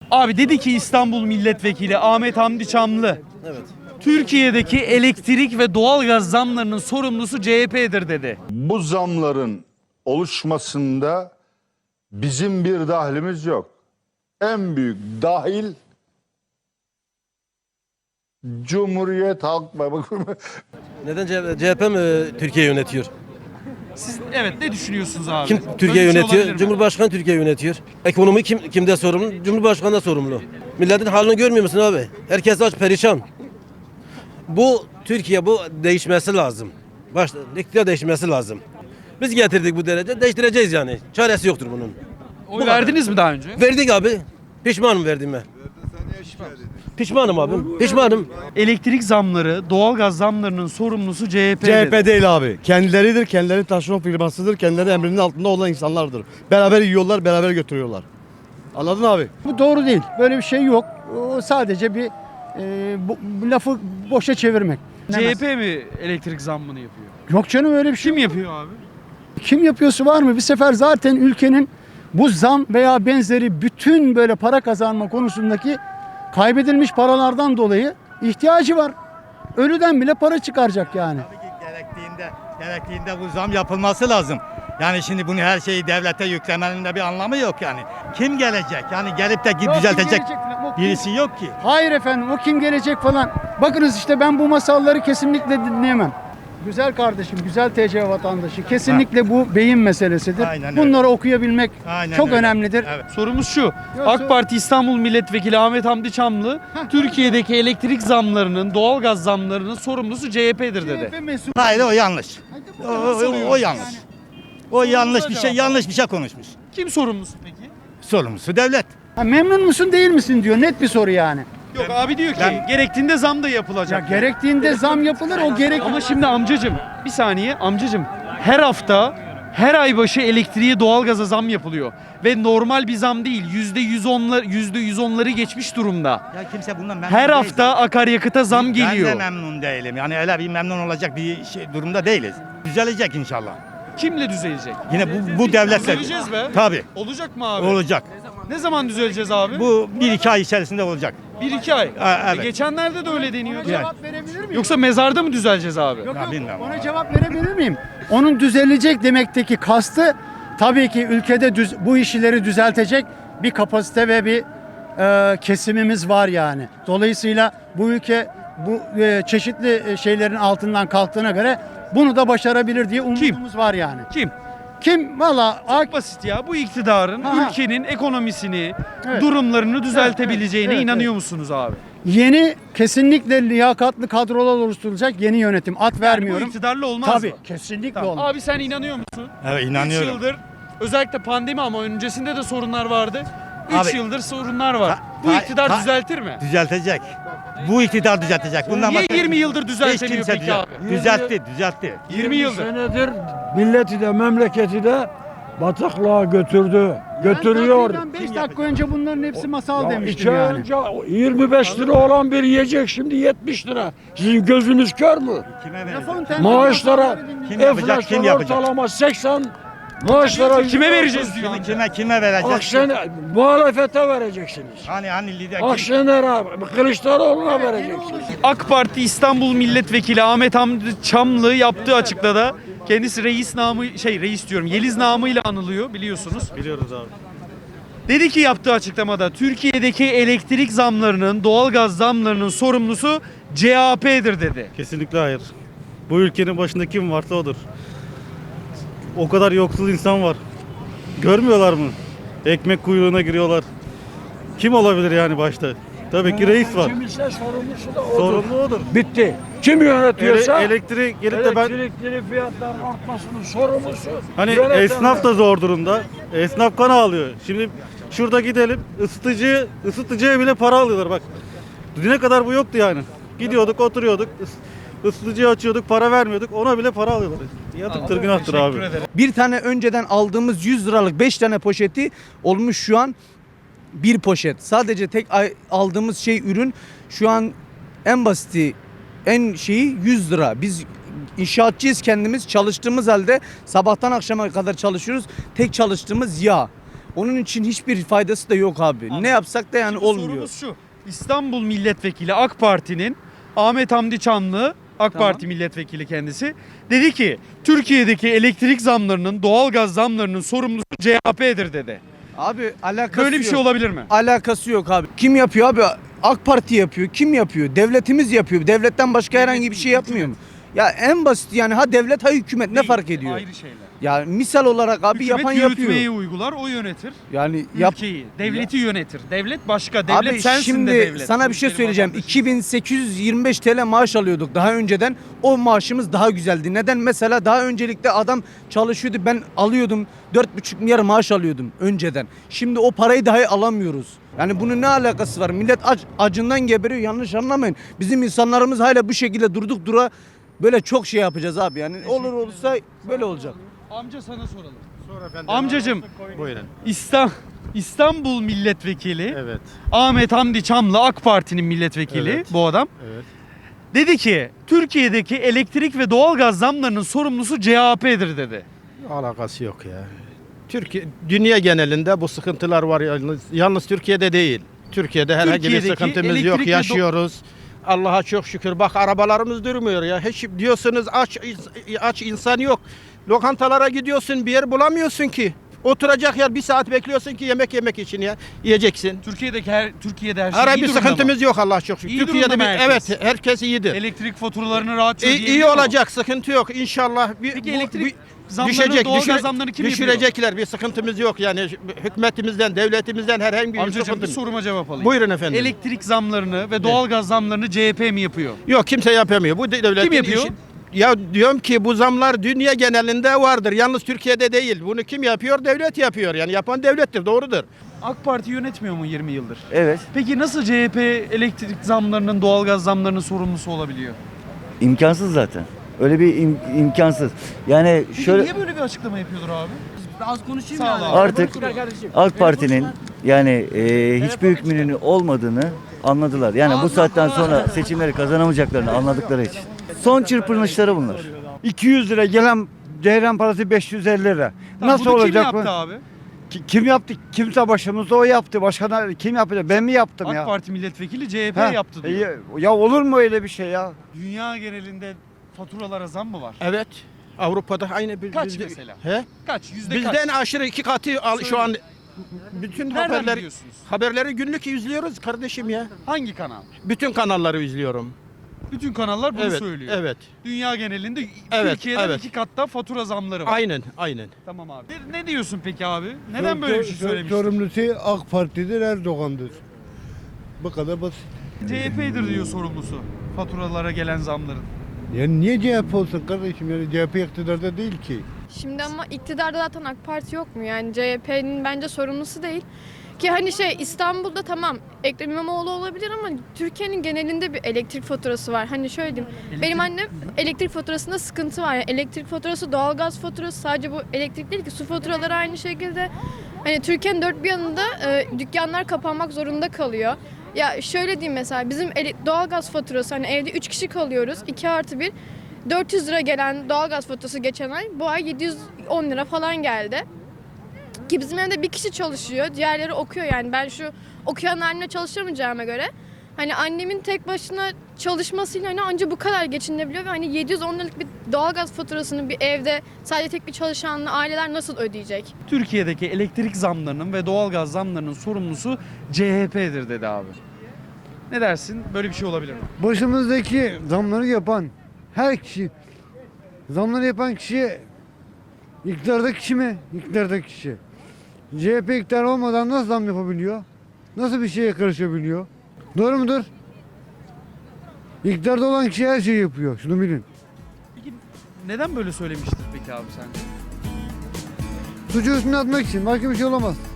Abi dedi ki İstanbul Milletvekili Ahmet Hamdi Çamlı, Evet. Türkiye'deki elektrik ve doğalgaz zamlarının sorumlusu CHP'dir dedi. Bu zamların oluşmasında bizim bir dahlimiz yok. En büyük dahil Cumhuriyet Halk Partisi. Neden CHP mi Türkiye yönetiyor? Siz evet ne düşünüyorsunuz abi? Kim Böyle Türkiye bir şey yönetiyor? olabilir mi? Cumhurbaşkanı Türkiye yönetiyor. Ekonomi kimde sorumlu? Cumhurbaşkanı da sorumlu. Milletin halini görmüyor musun abi? Herkes aç perişan. Bu Türkiye bu değişmesi lazım. Başta iktidar değişmesi lazım. Biz getirdik bu derece, değiştireceğiz yani. Çaresi yoktur bunun. Oy verdiniz mi daha önce? Verdik abi. Pişmanım verdiğime. Pişmanım abi. Pişmanım. Elektrik zamları, doğalgaz zamlarının sorumlusu CHP. CHP değil abi. Kendileridir, kendileri taşeron firmasıdır, kendileri emrinin altında olan insanlardır. Beraber yiyorlar, beraber götürüyorlar. Anladın abi? Bu doğru değil. Böyle bir şey yok. O sadece bir bu lafı boşa çevirmek. CHP mi elektrik zammını yapıyor? Yok canım öyle bir şey. Kim yapıyor abi? Kim yapıyorsa var mı? Bir sefer zaten ülkenin bu zam veya benzeri bütün böyle para kazanma konusundaki kaybedilmiş paralardan dolayı ihtiyacı var. Ölüden bile para çıkaracak yani. Tabii ki gerektiğinde bu zam yapılması lazım. Yani şimdi bunu her şeyi devlete yüklemenin de bir anlamı yok yani. Kim gelecek? Yani gelip de Yok, düzeltecek kim gelecek falan, o kim- birisi yok ki. Hayır efendim o kim gelecek falan. Bakınız işte ben bu masalları kesinlikle dinleyemem. Güzel kardeşim, güzel TC vatandaşı. Kesinlikle bu beyin meselesidir. Aynen öyle. Bunları okuyabilmek Aynen çok öyle. önemlidir. Evet. Sorumuz şu. AK Parti İstanbul Milletvekili Ahmet Hamdi Çamlı, Türkiye'deki elektrik zamlarının, doğalgaz zamlarının sorumlusu CHP'dir dedi. CHP mesul. Hayır o yanlış. O yanlış. O yanlış bir şey, yanlış bir şey konuşmuş. Kim sorumlusu peki? Sorumlusu devlet. Ha, memnun musun değil misin diyor. Net bir soru yani. Yok abi diyor ki gerektiğinde zam da Ya yapılacak. gerektiğinde zam yapılır o gerek. Ama şimdi amcacım bir saniye amcacım her hafta her ay başı elektriğe doğalgaza zam yapılıyor. Ve normal bir zam değil. %110'ları geçmiş durumda. Ya kimse bundan memnun Her değil. hafta akaryakıta zam geliyor. Ben de memnun değilim. Yani öyle bir memnun olacak bir durumda değiliz. Düzelecek inşallah. Kimle düzelecek? Yine bu devletle. Düzeleceğiz be. Tabii. Olacak mı abi? Olacak. Ne zaman düzeleceğiz abi? Bu 1-2 ay içerisinde olacak. 1-2 ay. Evet. Geçenlerde de öyle deniyordu. Yani. Cevap verebilir miyim? Yoksa mezarda mı düzeleceğiz abi? Yok, Ya yok. bilmiyorum. Ona cevap verebilir miyim? Onun düzelecek demekteki kastı tabii ki ülkede bu işleri düzeltecek bir kapasite ve bir kesimimiz var yani. Dolayısıyla bu ülke bu çeşitli şeylerin altından kalktığına göre bunu da başarabilir diye umudumuz var yani. Kim? Kim? Valla Çok basit ya. Bu iktidarın Aha. ülkenin ekonomisini, Evet. durumlarını düzeltebileceğine evet, inanıyor musunuz abi? yeni kesinlikle liyakatlı kadrolar oluşturulacak yeni yönetim. At Bu vermiyorum. iktidarla olmaz Tabii mı? kesinlikle Tamam. olmaz. Abi sen inanıyor musun? Evet 3 inanıyorum. yıldır özellikle pandemi ama öncesinde de sorunlar vardı. 3 Abi- yıldır sorunlar var. Ta- Bu ta- iktidar ta- düzeltir mi? Düzeltecek. Bu iktidar düzeltecek. Bundan Niye başka 20 yıldır hiç düzeltemiyor kimse peki abi? düzeltti. 20 yıldır. Senedir milleti de memleketi de bataklığa götürdü. Götürüyor. 5 dakika önce bunların hepsi masal Ya demiştim iki ay yani. önce 25 lira olan bir yiyecek şimdi 70 lira. Sizin gözünüz kör mü? Kime verecek? Lafın temeli Maaşlara yapanları dinleyin. Kim yapacak, enflasyon kim yapacak? ortalama 80. Maaşlara Kime vereceğiz diyor. Kime verecek? Akşener muhalefete vereceksiniz. Hani lider Akşener'e, Kılıçdaroğlu'na vereceksiniz. AK Parti İstanbul Milletvekili Ahmet Hamdi Çamlı yaptığı açıklamada kendisi reis diyorum Yeliz namıyla anılıyor biliyorsunuz. Biliyoruz abi. Dedi ki yaptığı açıklamada Türkiye'deki elektrik zamlarının, doğalgaz zamlarının sorumlusu CHP'dir dedi. Kesinlikle hayır. Bu ülkenin başında kim varsa odur. O kadar yoksul insan var. Görmüyorlar mı? Ekmek kuyruğuna giriyorlar. Kim olabilir yani başta? Tabii ki reis var. Kimse sorumlusu da odur. Sorumlu odur. Bitti. Kim yönetiyorsa Elektriği gelip de ben elektrikli fiyatların artmasının sorumlusu hani yönetenler. esnaf da zor durumda. Esnaf kan ağlıyor. Şimdi şurada gidelim ısıtıcıya bile para alıyorlar bak. Düne kadar bu yoktu yani. Gidiyorduk, oturuyorduk. Isıtıcıyı açıyorduk, para vermiyorduk. Ona bile para alıyorlar. Yatıktır, günahtır abi. Bir tane önceden aldığımız 100 liralık 5 tane poşeti olmuş şu an bir poşet. Sadece tek aldığımız ürün şu an en basiti en şeyi 100 lira. Biz inşaatçıyız kendimiz çalıştığımız halde sabahtan akşama kadar çalışıyoruz. Tek çalıştığımız yağ. Onun için hiçbir faydası da yok abi. Ne yapsak da yani Şimdi olmuyor. Sorumuz şu. İstanbul Milletvekili AK Parti'nin Ahmet Hamdi Çamlı, AK Tamam. Parti milletvekili kendisi, dedi ki Türkiye'deki elektrik zamlarının, doğalgaz zamlarının sorumlusu CHP'dir dedi. Abi alakası Böyle bir yok. şey olabilir mi? Alakası yok abi. Kim yapıyor abi? AK Parti yapıyor. Kim yapıyor? Devletimiz yapıyor. Devletten başka herhangi bir şey yapmıyor mu? Ya en basit yani ha devlet ha hükümet ne Değil, fark ediyor? Ayrı şeyler. Ya misal olarak abi Hükümet yapan yürütmeyi yapıyor. uygular, o yönetir. Yani yap. Ülkeyi, devleti yönetir. Devlet başka, devlet Abi sensin şimdi de devlet. sana bir şey Ülkenin söyleyeceğim. vatandaşı. 2825 TL maaş alıyorduk daha önceden. O maaşımız daha güzeldi. Neden? Mesela daha öncelikle adam çalışıyordu. Ben alıyordum 4,5 milyar maaş alıyordum önceden. Şimdi o parayı dahi alamıyoruz. Yani bunun ne alakası var? Millet acından geberiyor. Yanlış anlamayın. Bizim insanlarımız hala bu şekilde durduk dura böyle çok şey yapacağız abi. Yani olur olursa böyle olacak. Amca sana soralım. Sor efendim. Amcacım, Buyurun. İstanbul Milletvekili Evet. Ahmet Hamdi Çamlı, AK Parti'nin milletvekili Evet. bu adam. Evet. Dedi ki Türkiye'deki elektrik ve doğalgaz zamlarının sorumlusu CHP'dir dedi. Alakası yok ya. Dünya genelinde bu sıkıntılar var yalnız Türkiye'de değil. Türkiye'de herhangi bir Türkiye'deki sıkıntımız yok, elektrik ve yaşıyoruz. Allah'a çok şükür. Bak arabalarımız durmuyor ya. Hiç diyorsunuz aç insan yok. Lokantalara gidiyorsun bir yer bulamıyorsun ki. Oturacak yer bir saat bekliyorsun ki yemek için ya. Yiyeceksin. Türkiye'de her şey Herhangi iyi bir durumda sıkıntımız mı? yok Allah'a çok şükür. İyi Türkiye'de durumda mı herkes? evet herkes iyidir. Elektrik faturalarını rahatça İyi ödeyebiliyor mu? olacak, sıkıntı yok inşallah. Peki elektrik zamlarını, doğalgaz zamlarını kim yapıyor? düşürecekler, bir sıkıntımız yok yani hükümetimizden, devletimizden herhangi bir Amcacığım bir sıkıntımız. soruma cevap alayım. Buyurun efendim. Elektrik zamlarını ve doğalgaz zamlarını CHP mi yapıyor? Yok kimse yapamıyor. Bu devletin Kim yapıyor? işi. Ya diyorum ki bu zamlar dünya genelinde vardır. Yalnız Türkiye'de değil. Bunu kim yapıyor? Devlet yapıyor. Yani yapan devlettir. Doğrudur. AK Parti yönetmiyor mu 20 yıldır? Evet, Peki nasıl CHP elektrik zamlarının, doğalgaz zamlarının sorumlusu olabiliyor? imkansız zaten. Öyle bir imkansız. Yani Peki şöyle niye böyle bir açıklama yapıyordur abi? Az konuşayım Sağ ol abi. artık AK Parti'nin yani hiçbir hükmünün olmadığını anladılar. Yani bu saatten sonra seçimleri kazanamayacaklarını anladıkları için. Son çırpınışları bunlar. 200 lira gelen ceyran parası 550 lira. Tamam, Nasıl bunu olacak kim bu? yaptı abi? Kim yaptı? Kimse başımızda o yaptı. Başkan kim yapacak? Ben mi yaptım AK ya? Parti milletvekili CHP Ha, yaptı diyor. ya olur mu öyle bir şey ya? Dünya genelinde faturalara zam mı var? Evet. Avrupa'da aynı bir Kaç mesela? He? Kaç? Yüzde Bizden kaç? aşırı 2 katı şu an bütün Nereden biliyorsunuz? haberleri günlük izliyoruz kardeşim ya. Hangi kanal? Bütün kanalları izliyorum. Bütün kanallar bunu Evet. söylüyor. Evet. Dünya genelinde Evet, Türkiye'den evet. 2 katta fatura zamları var. Aynen. Tamam abi. Ne diyorsun peki abi? Neden böyle bir şey söylemiştin? Sorumlusu AK Parti'dir, Erdoğan'dır. Bu kadar basit. CHP'dir diyor sorumlusu faturalara gelen zamların. Yani niye CHP olsun kardeşim? Yani CHP iktidarda değil ki. Şimdi ama iktidarda zaten AK Parti yok mu? Yani CHP'nin bence sorumlusu değil. Ki hani İstanbul'da tamam Ekrem İmamoğlu olabilir ama Türkiye'nin genelinde bir elektrik faturası var. Hani şöyle diyeyim. Benim annem elektrik faturasında sıkıntı var. Yani elektrik faturası, doğalgaz faturası sadece bu elektrik değil ki su faturaları aynı şekilde. Hani Türkiye'nin dört bir yanında dükkanlar kapanmak zorunda kalıyor. Ya şöyle diyeyim mesela bizim doğalgaz faturası hani evde 3 kişi kalıyoruz 2+1 400 lira gelen doğalgaz faturası geçen ay bu ay 710 lira falan geldi. Ki bizim evde bir kişi çalışıyor diğerleri okuyor yani ben şu okuyan halimle çalışamayacağıma göre hani annemin tek başına çalışmasıyla hani anca bu kadar geçinebiliyor ve hani 710 liralık bir doğalgaz faturasını bir evde sadece tek bir çalışanla aileler nasıl ödeyecek? Türkiye'deki elektrik zamlarının ve doğalgaz zamlarının sorumlusu CHP'dir dedi abi. Ne dersin? Böyle bir şey olabilir mi? Başımızdaki zamları yapan her kişi, zamları yapan kişi iktidardaki kişi mi? İktidardaki kişi. CHP iktidar olmadan nasıl zam yapabiliyor? Nasıl bir şeye karışabiliyor? Doğru mudur? İktidarda olan kişi her şeyi yapıyor. Şunu bilin. Peki neden böyle söylemiştir peki abi sence? Suçu üstüne atmak için. Başka bir şey olamaz.